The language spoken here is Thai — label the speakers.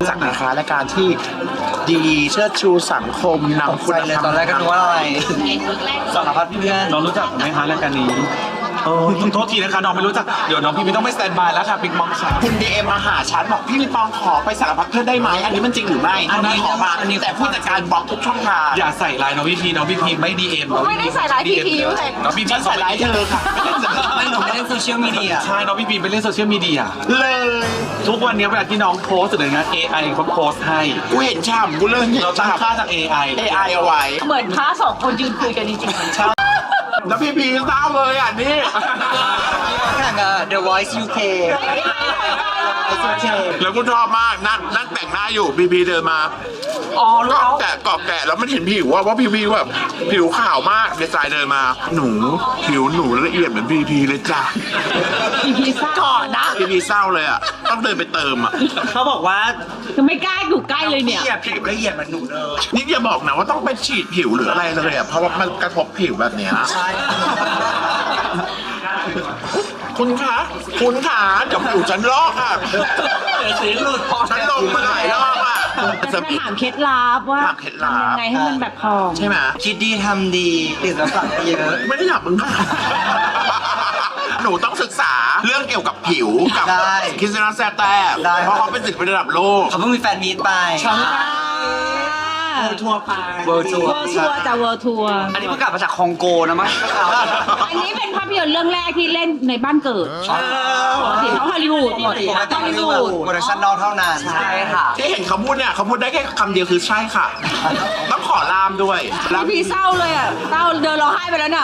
Speaker 1: จากนะคะรายการที่ดีเชิดชูสังคมนำคุณธรรม
Speaker 2: ตอนแรกก็นึกว่าอะไรสารพัดเพื่อน
Speaker 3: น้องรู้จักไหมคะรายการนี้โทษทีนะคะน้องไม่รู้จักเดี๋ยวน้องพี่ไม่ต้องไปสแตนบายแล้วค่ะปิ๊กมองค่ะ
Speaker 1: คุณดีเอ็มมาหาฉันบอกพี่มีปองขอไปสารพัดเพื่อนได้ไหมอันนี้มันจริงหรือไม่อันนี้ขอมาแต่ผู้จัดการบล็อกทุกช่องทาง
Speaker 3: อย่าใส่ลายน้องพี่พีน้องพี่พีไม่ดีเอ็ม
Speaker 4: ไม่ได้ใส่ร้ายพี่พีเลย
Speaker 3: น้องพี่พี
Speaker 1: ฉันใส่ร้ายเธอค่ะ
Speaker 2: ไม่หนูไม่เล่นโซเชียลมีเดีย
Speaker 3: ใช่น้องพี่พีไปเล่นโซเชียลมีเดีย
Speaker 1: เลย
Speaker 3: ทุกวันนี้เวลาที่น้องโพสต์หรือนะ AI เขาโพสต์ให้
Speaker 1: กูเห็นฉ่ำกูเริ่มเห็น
Speaker 3: เราตั้ง
Speaker 1: ฉ่ำ
Speaker 3: ค่าจาก AI
Speaker 1: AI เอาไว้
Speaker 4: เหมือนพระสองคนยืนคุยกันจริงๆ
Speaker 1: แล้วพี่พีเศร้าเลยอ่ะนี่
Speaker 2: แข่งกับ The Voice UK
Speaker 1: แล้วกูชอบมากนั่งแต่งหน้าอยู่พีพีเดินมาเกาะแกะแล้วมันเห็นผิวว่าพีพีแบบผิวขาวมากเดซายเดินมาผิวหนูละเอียดเหมือนพีพีเลยจ้ะ
Speaker 4: พี่พีซ่าก่อนนะ
Speaker 1: พีพีเศร้าเลยอ่ะต้องเดินไปเติมอ่ะ
Speaker 2: เขาบอกว่า
Speaker 4: คือไม่กล้าอยู่ใกล้เลยเนี่ย
Speaker 2: พี่ผิวละเอียดเหมือนหนูเลย
Speaker 1: นี่อย่าบอกนะว่าต้องไปฉีดผิวหรืออะไรเลยอ่ะเพราะว่ามันกระทบผิวแบบเนี้ย
Speaker 2: ใช่
Speaker 1: คุณคะเดี๋ยวผิวฉันลอกค่ะ
Speaker 2: เดี๋ยวสีหลุดพอ
Speaker 1: ฉันลงมาหลายรอบอ่ะ
Speaker 4: จะถามเคล็ดลับว่า
Speaker 1: ถามเคล็ดลับ
Speaker 4: ทำยังไงให้มันแบบพอง
Speaker 1: ใช่ไหม
Speaker 2: คิดดีทำดีติดแล้วสั่งเยอะ
Speaker 1: ไม่ได้อยากมึงค่ะ หนูต้องศึกษาเรื่องเกี่ยวกับผิวกับ
Speaker 2: ได้
Speaker 1: คริสตินาแซตแต่เพราะเขาเป็นศิลปินระดับโลก
Speaker 2: เขาเพิ่งมีแฟนมีตไป
Speaker 4: ทัวร์ไป
Speaker 2: World Tour
Speaker 4: จะเวิร์ทัวร์
Speaker 2: อันนี้เพิ่งกลับมาจากคองโกนะมั้ง
Speaker 4: อันนี้เป็นภาพยนตร์เรื่องแรกที่เล่นในบ้านเกิดปกติเขาฮอลลีวูดหมดฮอลลีวูด
Speaker 2: โปรดักชั่นนอกเท่านั้นใช่ค่ะ
Speaker 1: ที่เห็นเขาพูดเนี่ยเขาพูดได้แค่คำเดียวคือใช่ค่ะ ต้องขอลามด้วย
Speaker 4: พี่พีเศร้าเลยอ่ะเศร้าเดินร้องไห้ไปแล้วเนี่ย